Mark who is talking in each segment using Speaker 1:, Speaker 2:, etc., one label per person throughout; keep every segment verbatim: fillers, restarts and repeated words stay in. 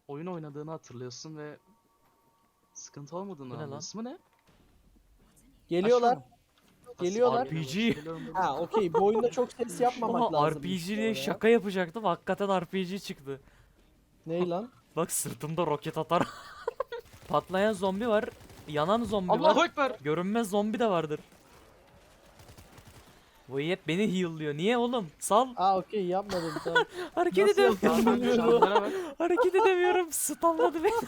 Speaker 1: oyun oynadığını hatırlıyorsun ve sıkıntı olmadığını
Speaker 2: Bu ne lan?
Speaker 1: anlıyorsun. Bu ne?
Speaker 3: Geliyorlar.
Speaker 1: Aşağı mı?
Speaker 3: Geliyorlar.
Speaker 1: Nasıl
Speaker 2: R P G.
Speaker 1: geliyorlar? Geliyorum dedim.
Speaker 3: Ha okey, bu oyunda çok ses yapmamak
Speaker 2: Oha,
Speaker 3: lazım.
Speaker 2: R P G diye şaka yapacaktım. Hakikaten R P G çıktı.
Speaker 3: Ney lan?
Speaker 2: Bak sırtımda roket atar. Patlayan zombi var. Yanan zombi
Speaker 1: Allahu
Speaker 2: var.
Speaker 1: Ekber.
Speaker 2: Görünmez zombi de vardır. Bu hep beni heal'lıyor. Niye oğlum? Sal.
Speaker 3: Aa okey, yapmadım tamam.
Speaker 2: Hareket
Speaker 3: Nasıl
Speaker 2: edemiyorum.
Speaker 3: yapıyorsun?
Speaker 1: Abi canlılara bak.
Speaker 2: Hareket edemiyorum. Stunladı beni.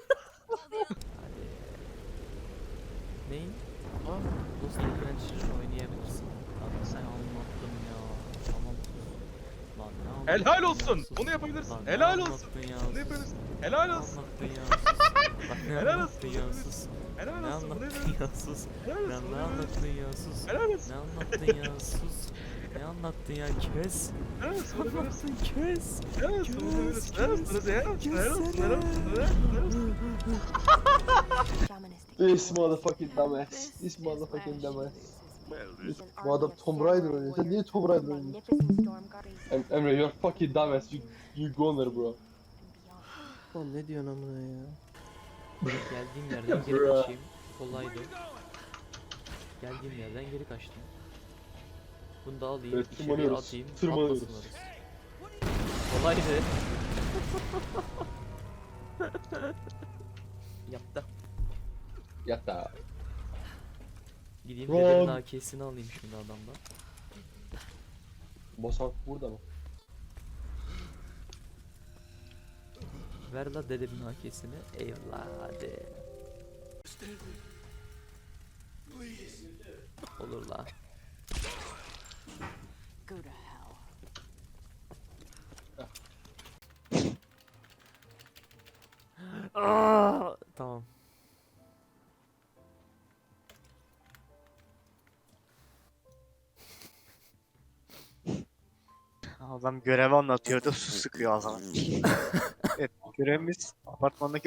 Speaker 2: Neyin?
Speaker 1: Aa,
Speaker 2: Lost Adventure oynayabilirsin. Abi sen anlattın ya. Tamam. Lan ne anlattın
Speaker 4: Helal
Speaker 2: ya,
Speaker 4: olsun.
Speaker 2: sus.
Speaker 4: Bunu yapabilirsin.
Speaker 2: Lan ne
Speaker 4: Helal olsun.
Speaker 2: anlattın ya,
Speaker 4: Bunu
Speaker 2: sus.
Speaker 4: yapabilirsin. Helal
Speaker 2: Ne
Speaker 4: olsun.
Speaker 2: anlattın ya, sus. Bak ne
Speaker 4: Helal
Speaker 2: anlattın
Speaker 4: olsun.
Speaker 2: ya, sus.
Speaker 4: Helal
Speaker 2: Ne
Speaker 4: olsun. Bunu
Speaker 2: anlattın
Speaker 4: yapabilirsin.
Speaker 2: ya, sus.
Speaker 4: Helal
Speaker 2: Ya
Speaker 4: olsun.
Speaker 2: ne anlattın ya, sus.
Speaker 4: Helal olsun.
Speaker 2: Ne anlattın ya, sus. Ne anlattın ya, kes.
Speaker 4: Helal olsun.
Speaker 2: Ne
Speaker 4: Bunu yapabilirsin.
Speaker 2: anlattın, kes.
Speaker 4: Helal olsun. Bunu yapabilirsin. Helal olsun.
Speaker 2: Kes,
Speaker 4: Helal olsun. Helal olsun.
Speaker 2: kessene.
Speaker 4: Helal olsun. Helal olsun.
Speaker 3: This motherfucking dumbass. This motherfucking dumbass. Bu adam Tomb Raider oynuyor. Sen niye Tomb Raider oynuyorsun? Em Emre, you're fucking dumbass. You, you goner bro. Oğlum ne diyorsun amına ya?
Speaker 2: Geldiğim yerden geri
Speaker 3: Bra.
Speaker 2: kaçayım. Kolaydı. Geldiğim yerden geri kaçtım. Bunu da alayım,
Speaker 3: Evet,
Speaker 2: içeriye
Speaker 3: tırmanıyoruz.
Speaker 2: atayım,
Speaker 3: Tırmanıyoruz.
Speaker 2: patlasın orası. Kolaydı. Yaptı.
Speaker 3: Yata.
Speaker 2: Gideyim
Speaker 3: Run.
Speaker 2: dedemin A K'sini alayım şimdi adamdan.
Speaker 3: Bosan burada mı?
Speaker 2: Ver la dedemin A K'sini. Evladı. Olur la.
Speaker 5: Go to hell.
Speaker 2: Aa, tamam.
Speaker 6: Adam görevi anlatıyordu, su sıkıyor ağzına. Evet, görevimiz apartmandaki...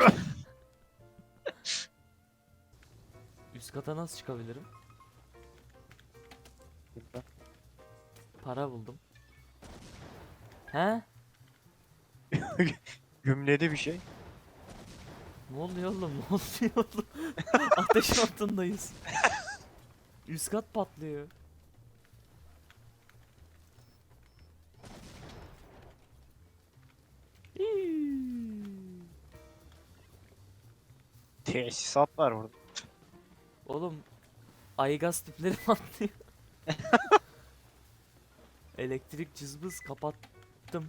Speaker 2: Üst kata nasıl çıkabilirim? Para buldum. He?
Speaker 6: Gümledi bir şey.
Speaker 2: Ne oluyor oğlum? Ne oluyor oğlum? Ateş altındayız. Üst kat patlıyor. İyi.
Speaker 6: Tesisat var burada.
Speaker 2: Oğlum aygaz tipleri patlıyor. Elektrik cızbız kapattım.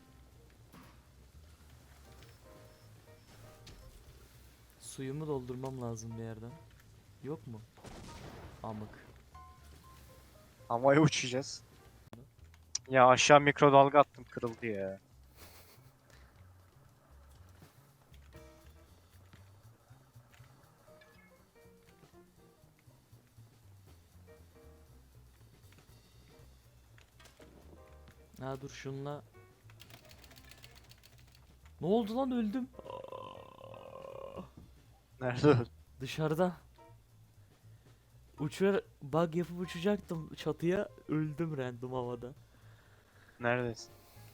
Speaker 2: Suyumu doldurmam lazım bir yerden. Yok mu? Amık.
Speaker 6: Havaya uçacağız. Ya aşağı mikrodalga attım, kırıldı ya.
Speaker 2: Ha dur şunla. Ne oldu lan, öldüm. Aa,
Speaker 6: Nerede öldü?
Speaker 2: dışarıda. Uçar bug yapıp uçacaktım çatıya, öldüm random havada.
Speaker 6: Neredesin?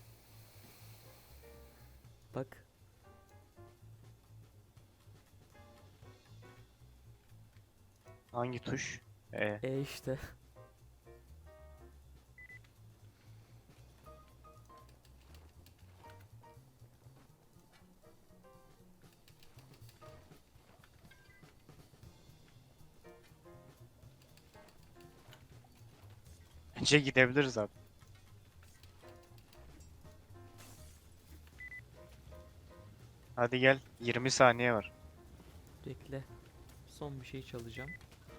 Speaker 2: Bak.
Speaker 6: Hangi tuş? E.
Speaker 2: E işte.
Speaker 6: Bence gidebiliriz abi. Hadi gel, yirmi saniye var.
Speaker 2: Bekle. Son bir şey çalacağım.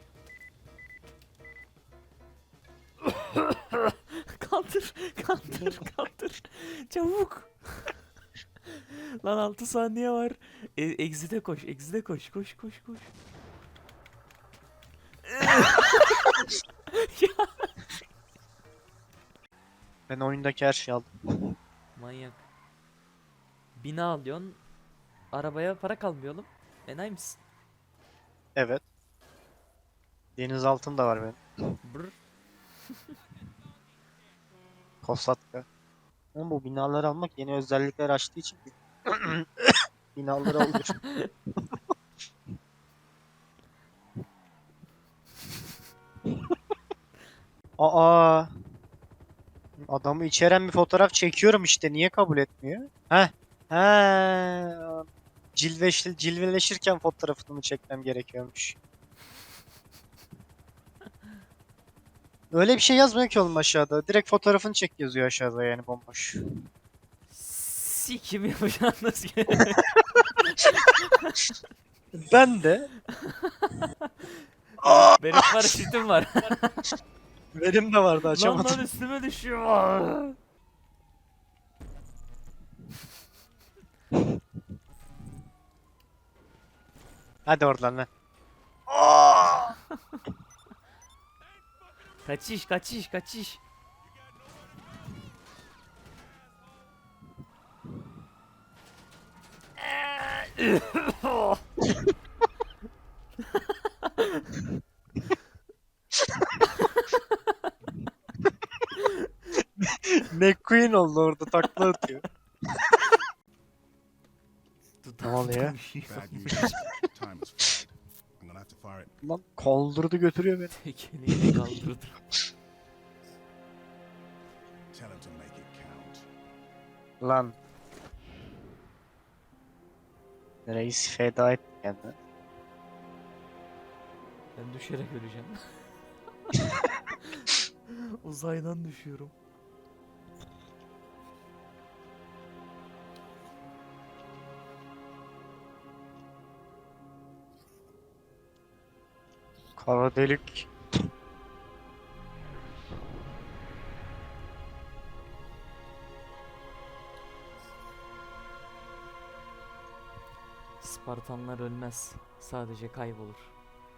Speaker 2: Kaldır, kaldır, kaldır. Çabuk. Lan altı saniye var. E exit'e koş, exit'e koş, koş, koş, koş. Ya.
Speaker 6: Ben oyundaki her şeyi aldım.
Speaker 2: Manyak. Bina alıyorsun. Arabaya para kalmıyor oğlum. Enayi misin?
Speaker 6: Evet. Denizaltım da var benim.
Speaker 2: Brr.
Speaker 6: Kosatka. Ama bu binaları almak yeni özellikler açtığı için Binaları olur. Aa. Adamı içeren bir fotoğraf çekiyorum işte. Niye kabul etmiyor? Heh. He. Cilveş, cilveleşirken fotoğrafını çekmem gerekiyormuş. Öyle bir şey yazmıyor ki oğlum aşağıda. Direkt fotoğrafını çek yazıyor aşağıda yani bomboş.
Speaker 2: Sikim yapacağınız gibi.
Speaker 6: Ben de.
Speaker 2: Benim paraşütüm var.
Speaker 6: Benim de vardı
Speaker 2: Lan
Speaker 6: açamadım.
Speaker 2: lan üstüme düşüyor.
Speaker 6: Hadi oradan lan.
Speaker 2: Kaçış kaçış kaçış.
Speaker 6: McQueen oldu orada takla atıyor. Ne oluyor?
Speaker 5: Bad news. Time is flight. I'm gonna have to fire it.
Speaker 6: Lan kaldırdı götürüyor beni.
Speaker 2: Tekeliğini kaldırdı.
Speaker 5: Tell him to make it count.
Speaker 6: Lan. Reis feda etti kendini.
Speaker 2: Ben düşerek öleceğim. Uzaydan düşüyorum.
Speaker 6: Kara delik.
Speaker 2: Spartanlar ölmez. Sadece kaybolur.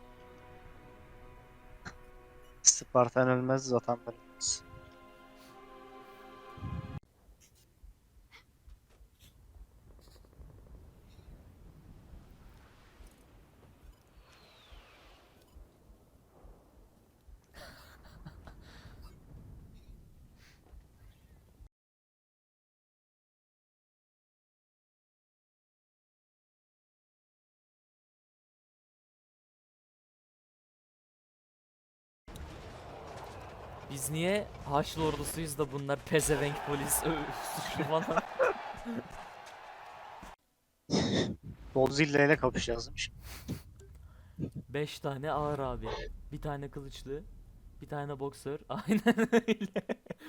Speaker 6: Spartan ölmez zaten ölmez.
Speaker 2: Biz niye Haçlı ordusuyuz da bunlar pezevenk polis ö- suçlu falan.
Speaker 6: Godzilla ile kapışacağız.
Speaker 2: beş tane ağır abi. Bir tane kılıçlı. Bir tane boksör. Aynen öyle.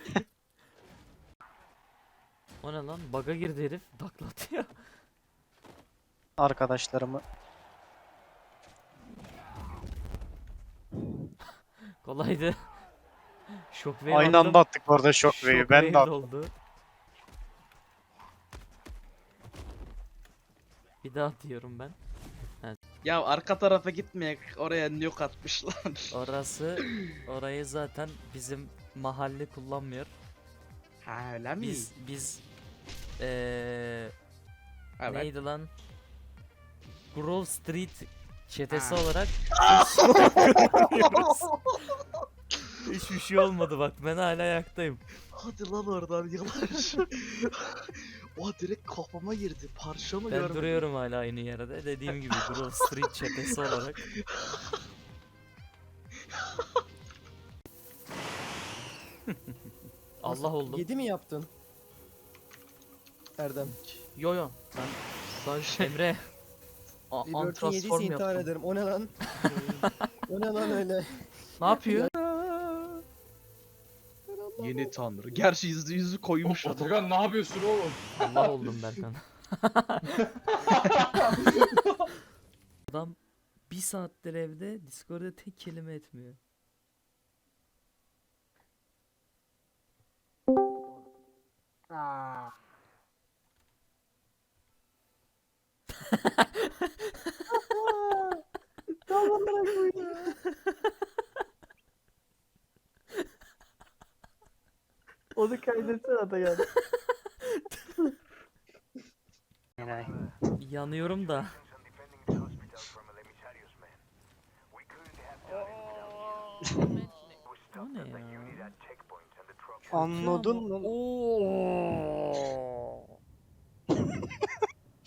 Speaker 2: O ne lan? Bug'a girdi herif. Taklatıyor.
Speaker 6: Arkadaşlarımı.
Speaker 2: Kolaydı. Shockwave
Speaker 6: Aynı
Speaker 2: aldım.
Speaker 6: anda attık orada Shockwave'i. Ben de
Speaker 2: Shockwave
Speaker 6: attım.
Speaker 2: oldu. Bir daha atıyorum ben.
Speaker 1: Ya arka tarafa gitmeyek. Oraya nuke atmışlar.
Speaker 2: Orası, orayı zaten bizim mahalle kullanmıyor.
Speaker 1: Ha öyle mi?
Speaker 2: Biz, biz, eee
Speaker 1: Evet.
Speaker 2: neydi lan? Grove Street çetesi
Speaker 1: Ha.
Speaker 2: olarak hiçbir şey olmadı bak, ben hala ayaktayım.
Speaker 1: Hadi lan oradan yavaş. O direkt kafama girdi. Parçamı
Speaker 2: Ben
Speaker 1: görmedim.
Speaker 2: duruyorum hala aynı yerde. Dediğim gibi Grove Street çetesi olarak. Allah oldum.
Speaker 7: yedi mi yaptın? Erdem.
Speaker 2: Yo yo. Ben sadece Emre. A-
Speaker 7: Liberty yediyse
Speaker 2: Antransform
Speaker 7: intihar
Speaker 2: yaptım.
Speaker 7: ederim. O ne lan? O ne lan öyle?
Speaker 2: Ne yapıyor?
Speaker 1: Yeni tanrı. Gerçi yüzü yüzü koymuş adam.
Speaker 3: Atakan ne yapıyorsun oğlum?
Speaker 2: Allah oldum Berkan. Adam bir saattir evde Discord'da tek kelime etmiyor.
Speaker 7: Onu kaydetsene Atakan.
Speaker 6: Yani.
Speaker 2: Yanıyorum da. O ne ya?
Speaker 6: Anladın mı?
Speaker 2: Oo.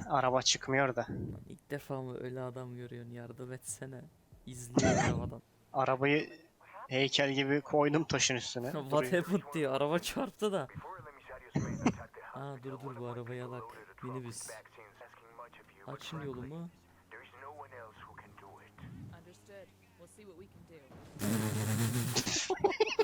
Speaker 6: Araba çıkmıyor da.
Speaker 2: Lan ilk defa mı öyle adam görüyorsun, yardım etsene. İzliyor arabadan.
Speaker 6: Arabayı heykel gibi koydum taşın üstüne.
Speaker 2: What
Speaker 6: Duruyor.
Speaker 2: happened diyor, araba çarptı da. Aa dur dur, bu arabaya bak. Minibüs. Açın yolumu.
Speaker 8: Understood. We'll see what we can do.